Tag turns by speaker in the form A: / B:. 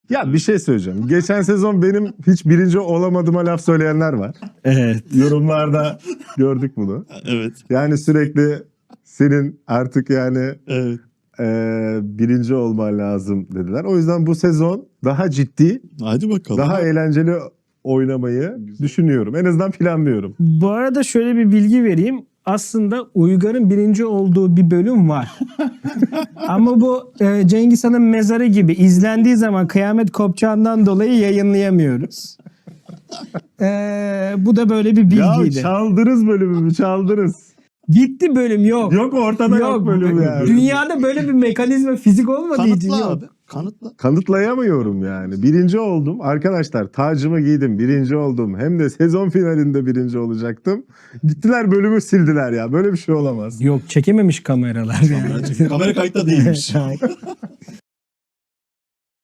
A: Ya bir şey söyleyeceğim. Geçen sezon benim hiç birinci olamadığıma laf söyleyenler var.
B: Evet.
A: Yorumlarda gördük bunu.
C: Evet.
A: Yani sürekli senin artık yani
C: Evet.
A: birinci olman lazım dediler. O yüzden bu sezon daha ciddi,
C: Hadi bakalım.
A: daha eğlenceli oynamayı düşünüyorum. En azından planlıyorum.
B: Bu arada şöyle bir bilgi vereyim. Aslında Uygar'ın birinci olduğu bir bölüm var. Ama bu Cengiz Han'ın mezarı gibi izlendiği zaman kıyamet kopacağından dolayı yayınlayamıyoruz. Bu da böyle bir
A: Ya
B: bilgiydi.
A: çaldınız bölümümü, çaldınız.
B: Gitti bölüm yok.
A: Yok ortada yok bölüm yani.
B: Dünyada böyle bir mekanizma fizik olmadığı için
C: Kanıtla
B: yok.
C: abi. Kanıtla.
A: Kanıtlayamıyorum yani. Birinci oldum. Arkadaşlar tacımı giydim. Birinci oldum. Hem de sezon finalinde birinci olacaktım. Gittiler bölümü sildiler ya. Böyle bir şey olamaz.
B: Yok çekememiş kameralar yani.
C: Kamera kayıtta değilmiş.